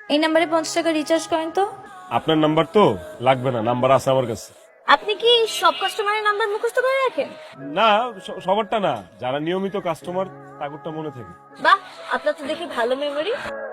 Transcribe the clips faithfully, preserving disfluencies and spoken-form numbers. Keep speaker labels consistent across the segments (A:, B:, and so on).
A: এই নাম্বারে পঞ্চাশ টাকা রিচার্জ করেন তো।
B: আপনার নাম্বার তো লাগবে না, নাম্বার আছে আমার কাছে।
A: আপনি কি সব কাস্টমারের নাম্বার মুখস্থ করে রাখেন?
B: না, স- সবারটা না, যারা নিয়মিত কাস্টমার তাদেরটা মনে থাকে।
A: বাহ, আপনার তো দেখি ভালো মেমোরি।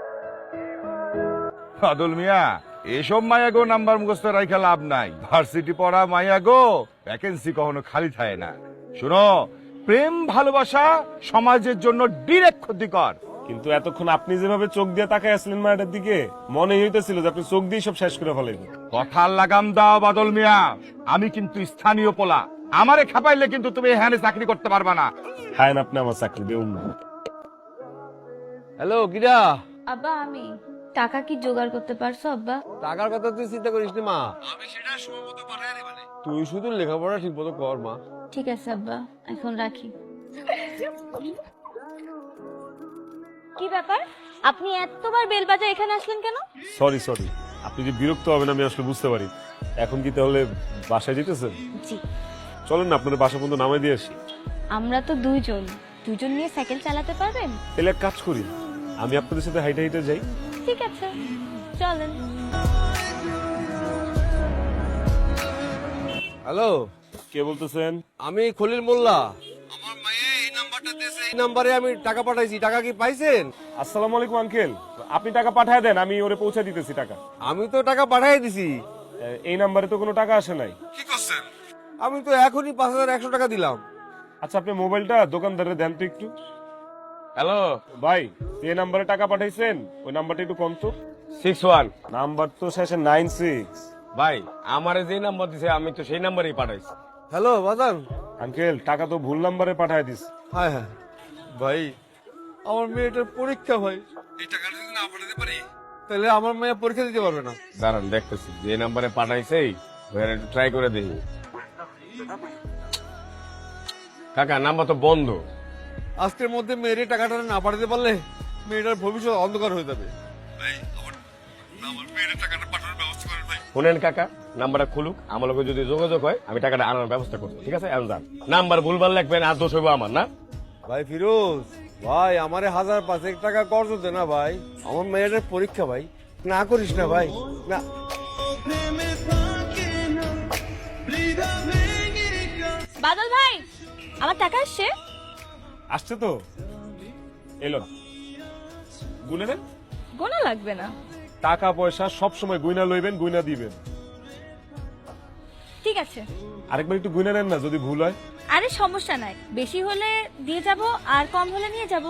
C: বাদল মিয়া, এসব মায়াগো নাম্বার মুখস্থ রাখা লাভ নাই। ভার্সিটি পড়া মায়াগো ভ্যাকেন্সি কখনো খালি থাকে না। শুনো, প্রেম ভালোবাসা সমাজের জন্য ডিরেক্ট ক্ষতিকর।
B: কিন্তু এতক্ষণ আপনি যেভাবে চোখ দিয়ে তাকায় আসলেন মায়ের দিকে, মনে হইতেছিল যে আপনি চোখ দিয়ে সব শেষ করে ফেলাইবেন।
C: কথার লাগাম দাও বাদল মিয়া, আমি কিন্তু স্থানীয় পোলা। আমারে খাপাইলে কিন্তু তুমি এখানে চাকরি করতে পারবা না।
B: হ্যাঁ, আপনি আমার চাকরি দেউন না।
D: হ্যালো গিরা,
A: আব্বা, আমি টাকা কি জোগাড় করতে পারছো আব্বা?
D: টাকার কথা তুই চিন্তা করিস না মা, আমি সেটা সময় মতো পাঠাই দিবানে। তুই শুধু লেখাপড়া ঠিক মতো কর মা।
A: ঠিক আছে আব্বা, এখন রাখি। কি ব্যাপার, আপনি এতবার বেল বাজায় এখানে আসলেন কেন?
B: সরি সরি, আপনি যে বিরক্ত হবেন আমি আসলে বুঝতে পারি। এখন কি তাহলে বাসায় যেতেছেন?
A: জি।
B: চলেন না, আপনার বাসা পর্যন্ত নামাই দিয়ে আসি।
A: আমরা তো দুইজন, দুইজন নিয়ে সাইকেল চালাতে পারবেন?
B: তাহলে এক কাজ করি, আমি আপনাদের সাথে হাইটে হাইটে যাই।
A: ঠিক আছে, চলেন।
D: হ্যালো,
B: কে বলতেছেন?
D: আমি খলিল মোল্লা। আমার মায়ে এই নাম্বারটা দিয়েছে, এই নাম্বারে আমি টাকা পাঠাইছি। টাকা কি পাইছেন?
B: আসসালামু আলাইকুম আঙ্কেল, আপনি টাকা পাঠায় দেন, আমি ওরে পৌঁছে দিতেছি টাকা।
D: আমি তো টাকা পাঠাই দিছি।
B: এ, এই নাম্বারে তো কোনো টাকা আসে নাই।
D: কি করছেন? আমি তো এখনই পাঁচ হাজার একশো টাকা দিলাম।
B: আচ্ছা, আপনি মোবাইলটা দোকানদারে দেন তো একটু।
C: হ্যালো,
B: ভাই, যে নাম্বারে টাকা পাঠাইছেন ওই নাম্বারটা একটু কম তো।
C: Six one.
B: নাম্বার তো শেষে নাইন সিক্স।
C: ভাই, আমারে যে নাম্বার দিছে আমি তো সেই নাম্বারেই পাঠাইছি।
D: হ্যালো বাজান।
B: আঙ্কেল, টাকা তো ভুল নাম্বারে পাঠায় দিস।
D: হ্যাঁ হ্যাঁ ভাই, আমার মেয়েটার পরীক্ষা ভাই। এই টাকাটা যদি না পাঠাতে পারি তাহলে আমার মেয়ে পরীক্ষা দিতে পারবে না।
C: দাঁড়ান দেখতেছি যে নাম্বারে পাঠাইছে ওখানে একটু ট্রাই করে দেখি। কাকা, নাম্বার তো বন্ধ।
D: আজকের মধ্যে মেয়ের এই টাকাটা না পাঠাতে পারলে মেয়েটার ভবিষ্যৎ অন্ধকার হয়ে যাবে। ভাই, আমার আমার মেয়ের টাকাটা পাঠানোর ব্যবস্থা করেন ভাই।
C: শুনেন কাকা, নাম্বারটা খুলুক, আমার লোকের যদি যোগাযোগ হয় আমি টাকাটা আনার ব্যবস্থা করবো। ঠিক আছে, এখন যান। নাম্বার ভুলভাল লাগবেন আর দোষ হইব আমার, না?
D: ভাই ফিরোজ ভাই, আমারে হাজার পাঁচেক টাকা কর্জ দে না ভাই। আমার মেয়েটার পরীক্ষা ভাই, না করিস না ভাই, না।
A: বাদল ভাই, আমার টাকা আসছে।
B: আসছে তো, এলো গুনে নেন।
A: গোনা লাগবে না।
B: টাকা পয়সা সব সময় গুইনা লইবেন, গুইনা দিবেন।
A: ঠিক আছে।
B: আরেকবার একটু গুইনা নেন না, যদি ভুল হয়।
A: আরে সমস্যা নাই, বেশি হলে দিয়ে যাব আর কম হলে নিয়ে যাব।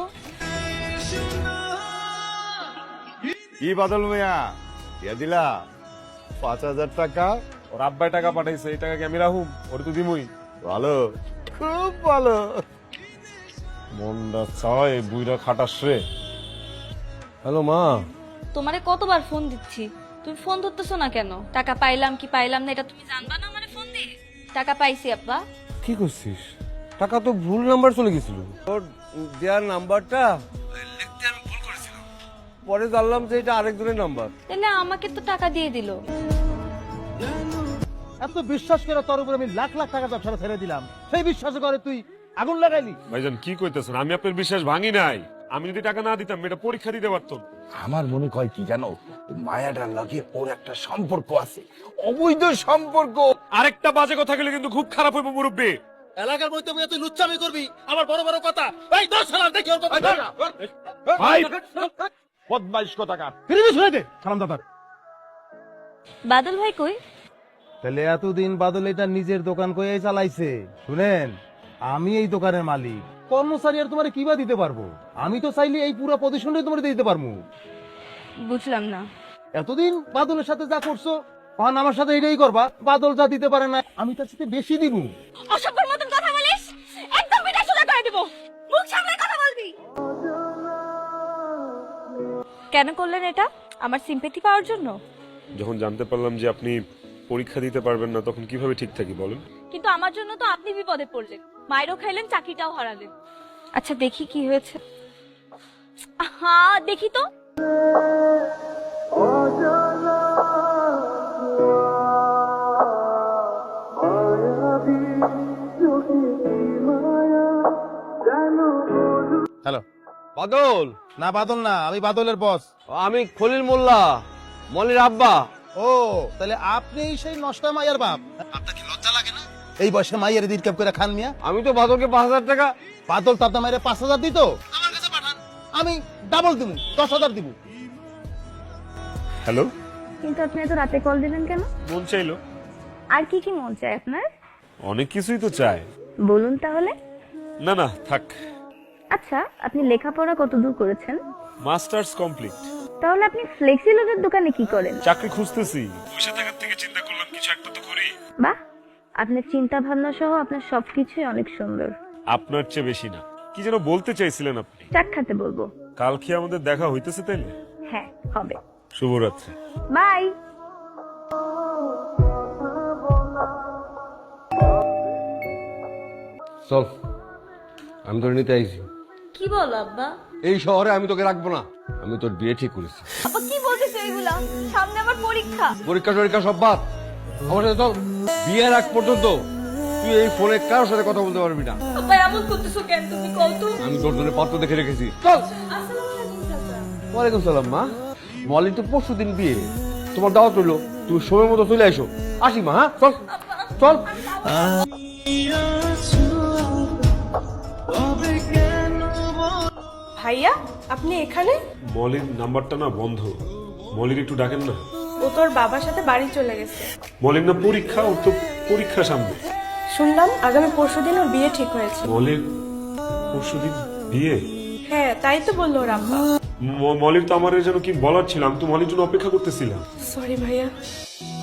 C: কি বাদল মিয়া, দিয়া দিলা পাঁচ হাজার টাকা।
B: ওর আব্বাই টাকা পাঠাইছে, এই টাকা কি আমি রাহুম? ওর তো দিমুই।
C: ভালো, খুব ভালো।
B: মনটা চায় বুইরা খাটাস রে।
D: হ্যালো মা।
A: তোমারে কতবার ফোন দিচ্ছি, তুমি ফোন ধরতেছো না কেন? টাকা পাইলাম কি পাইলাম না এটা তুমি জানবা না আমারে ফোন দিয়ে? টাকা পাইছি আব্বা।
D: কি করছিস? টাকা তো ভুল নাম্বার চলে গেছিল। তোর দেওয়ার নাম্বারটা লিখতে আমি ভুল করেছিলাম, পরে জানলাম যে এটা আরেকজনের নাম্বার।
A: তাহলে আমাকে তো টাকা দিয়ে দিল।
E: এত বিশ্বাস করে তোর উপর আমি লাখ লাখ টাকা ব্যবসা ছেড়ে দিলাম, সেই বিশ্বাস করে তুই আগুন লাগাইলি।
B: ভাইজান, কি কইতেছেন? আমি আপনার বিশ্বাস ভাঙি নাই। আমি যদি টাকা না দিতাম এটা পরীক্ষা দিতে পারতাম।
C: আমার মনে হয় কি জানো, মায়াটার লাগে ওর একটা সম্পর্ক আছে, অবৈধ সম্পর্ক।
B: আরেকটা বাজে কথা গেলে কিন্তু খুব খারাপ হইব মুরব্বী।
E: এলাকার মধ্যে তুই লুচ্চামি করবি, আমার বড় বড় কথা। এই দশ সালাম দেখি ওর কথা।
C: ভাই, বদমাইশ কথাকার।
E: ফিরে শুনে দে সালাম দাদার।
A: বাদল ভাই কই?
E: তাহলে এতদিন বাদল এটা নিজের দোকান কয়ে চালাইছে। শুনেন, আমি এই দোকানের মালিক, কর্মচারী আর তোমার কিবা দিতে পারবো? আমি তো চাইলে এই পুরো পজিশনটা তোমার দিতে পারবো।
A: বুঝলাম না।
E: এতদিন বাদলের সাথে যা করছো, তখন আমার সাথে এটাই করবা। বাদল যা দিতে পারে না আমি তার সাথে বেশি দিব।
A: অসভ্যের মতন কথা বলিস, একদম পিঠা সোজা করে দেব। মুখ সামলে কথা বলবি। কেন করলেন এটা? আমার সিম্পেথি পাওয়ার জন্য?
B: যখন জানতে পারলাম যে আপনি পরীক্ষা দিতে পারবেন না, তখন কিভাবে ঠিক থাকি বলেন?
A: কিন্তু আমার জন্য তো আপনি বিপদে পড়লেন, মায়েরও খাইলেন, চাকরিটাও হারালেন। আচ্ছা দেখি কি হয়েছে। হ্যাঁ দেখি তো।
D: হ্যালো বাদল,
E: না বাদল না, আমি বাদলের বস।
D: আমি খলিল মোল্লা, মলির আব্বা।
E: ও তাহলে আপনি সেই নষ্টা মাইয়ার বাপ? আপনার কি লজ্জা লাগে না এই বয়সে মাইয়ের দিরকাপ করে খান মিয়া?
D: আমি তো বাদলকে পাঁচ হাজার টাকা।
E: বাদল তার মাইরে পাঁচ হাজার দিত, আমার কাছে পাঠান, আমি ডাবল দিব, দশ হাজার দিব।
B: হ্যালো,
A: কিন্তু আপনি এত রাতে কল দিলেন কেন?
B: মন চাইলো।
A: আর কি কি মন চায় আপনার?
B: অনেক কিছুই তো চায়।
A: বলুন তাহলে।
B: না না থাক,
A: আচ্ছা, আপনি লেখাপড়া কত দূর করেছেন?
B: Masters complete.
A: তাহলে আপনি ফ্লেক্সিলোডের দোকানে কি করেন?
B: চাকরি খুঁজতেছি, পয়সা থাকার থেকে চিন্তা করলাম কিছু একটা তো করি।
A: বাহ, আপনার চিন্তা ভাবনা সহ আপনার সবকিছুই অনেক সুন্দর।
B: আপনার চেয়ে বেশি না। কি যেন বলতে চাইছিলেন আপনি?
A: চাক খাতে বলবো।
B: কাল কি আমাদের দেখা হইতেছে তাইলে?
A: হ্যাঁ, হবে।
B: শুভরাত্রি।
A: বাই।
D: চল, আমি তোর নিতে আইছি।
A: কি বলো আব্বা?
D: এই শহরে আমি তোকে রাখবো না, আমি তোর বিয়ে ঠিক করেছি।
A: আব্বা কি বলতেছো এগুলা? সামনে আমার পরীক্ষা।
D: পরীক্ষা টরীক্ষা সব বাদ, আমার সাথে চল। বিয়ের আগ পর্যন্ত তুই এই ফোনে কারোর সাথে কথা বলতে পারবি না।
A: আব্বা এমন করতেছো কেন? তুমি কল তো।
D: আমি তোর জন্য পাত্র দেখে রেখেছি, চল।
A: আসসালামু আলাইকুম চাচা।
D: ওয়ালাইকুম সালাম মা। মলি তো পরশু দিন বিয়ে, তোমার দাওয়াত রইলো, তুমি সময় মতো চলে আসো। আসি মা, হ্যাঁ চল চল।
F: ভাইয়া, আপনি এখানে?
B: মলির নাম্বারটা না বন্ধ, মলির একটু ডাকেন না।
F: ও তোর বাবার সাথে বাড়ি চলে গেছে।
B: মলির না পরীক্ষা, ওর তো পরীক্ষা সামনে।
F: শুনলাম আগামী পরশুদিন ওর বিয়ে ঠিক হয়েছে।
B: মলির পরশুদিন বিয়ে?
F: হ্যাঁ, তাই তো বললো ওর আব্বা।
B: ম- মলির তো আমার যেন কি বলার ছিল, আমি তো মলির জন্য অপেক্ষা করতেছিলাম।
F: সরি ভাইয়া।